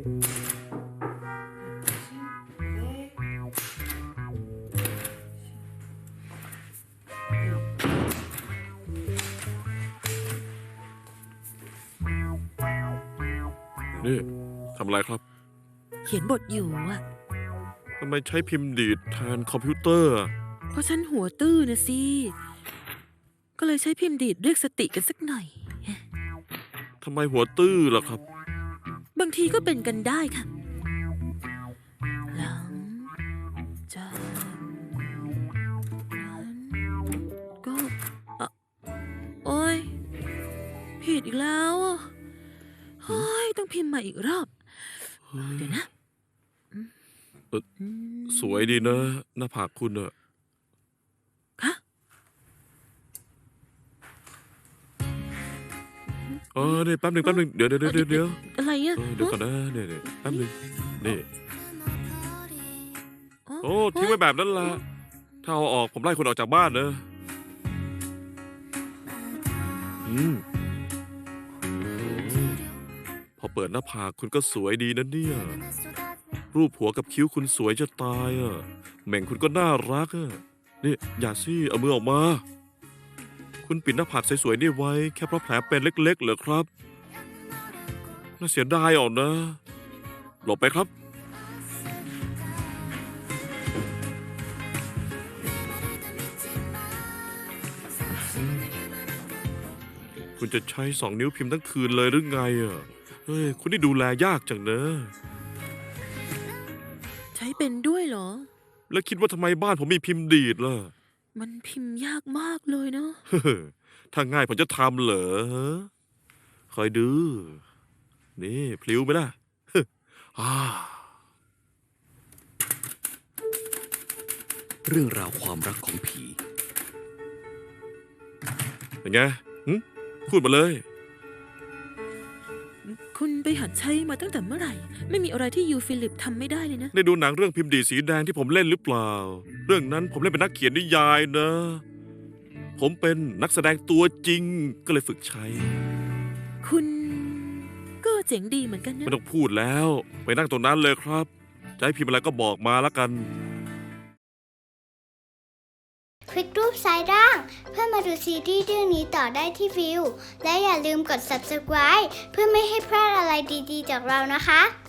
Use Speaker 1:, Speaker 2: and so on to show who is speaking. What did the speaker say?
Speaker 1: นี่ทำอะไรครับ
Speaker 2: เขียนบทอยู่อะ
Speaker 1: ทำไมใช้พิมพ์ดีดแทนคอมพิวเตอร์อะ
Speaker 2: เพราะฉันหัวตื้อนะสิ ก็เลยใช้พิมพ์ดีดเรียกสติกันสักหน่อย
Speaker 1: ทำไมหัวตื้อล่ะครับ
Speaker 2: บางทีก็เป็นกันได้ค่ะ หลังจากนั้นก็อ่ะโอ๊ย ผิดอีกแล้วอ่ะโอ๊ยต้องพิมพ์ใหม่อีกรอบ เดี๋ยวนะ
Speaker 1: สวยดีนะหน้าผากคุณอะ
Speaker 2: คะ
Speaker 1: นี่แป๊บหนึ่งเดี๋ยว
Speaker 2: อะไรอ่ะ
Speaker 1: เดี๋ยวก่อนนะเนี่ยแป๊บหนึ่งนี่โอ้ทิ้งไว้แบบนั้นละถ้าเอาออกผมไล่คุณออกจากบ้านนะพอเปิดหน้าผากคุณก็สวยดีนะเนี่ยรูปหัวกับคิ้วคุณสวยจะตายอ่ะแหม่งคุณก็น่ารักอ่ะนี่อย่าสิเอามือออกมาคุณปิดหน้าผากสวยๆนี่ไว้แค่เพราะแผลเป็นเล็กๆเหรอครับน่าเสียดายออกนะหลบไปครับคุณจะใช้2 นิ้วพิมพ์ทั้งคืนเลยหรือไงอ่ะเฮ้ยคุณนี่ดูแลยากจังเนอะ
Speaker 2: ใช้เป็นด้วยเหรอ
Speaker 1: แล้วคิดว่าทำไมบ้านผมมีพิมพ์ดีดล่ะ
Speaker 2: มันพิมพ์ยากมากเลยเนาะ
Speaker 1: ถ้าง่ายผมจะทำเหรอคอยดู นี่พลิ้วไหมล่ะ
Speaker 3: เรื่องราวความรักของผี
Speaker 1: เป็นไงพูดมาเลย
Speaker 2: คุณไปหัดใช้มาตั้งแต่เมื่อไหร่ ไม่มีอะไรที่ยูฟิลิปทำไม่ได้เลยนะ
Speaker 1: ได้ดูหนังเรื่องพิมพ์ดีดสีแดงที่ผมเล่นหรือเปล่า เรื่องนั้นผมเล่นเป็นนักเขียนนิยายนะ ผมเป็นนักแสดงตัวจริงก็เลยฝึกใช้
Speaker 2: คุณก็เจ๋งดีเหมือนกันนะ
Speaker 1: ไม่ต้องพูดแล้ว ไปนั่งตรงนั้นเลยครับ จะให้พิมพ์อะไรก็บอกมาแล้วกัน
Speaker 4: คลิกรูปซ้ายล่างเพื่อมาดูซีรีส์เรื่องนี้ต่อได้ที่วิวและอย่าลืมกด subscribe เพื่อไม่ให้พลาดอะไรดีๆจากเรานะคะ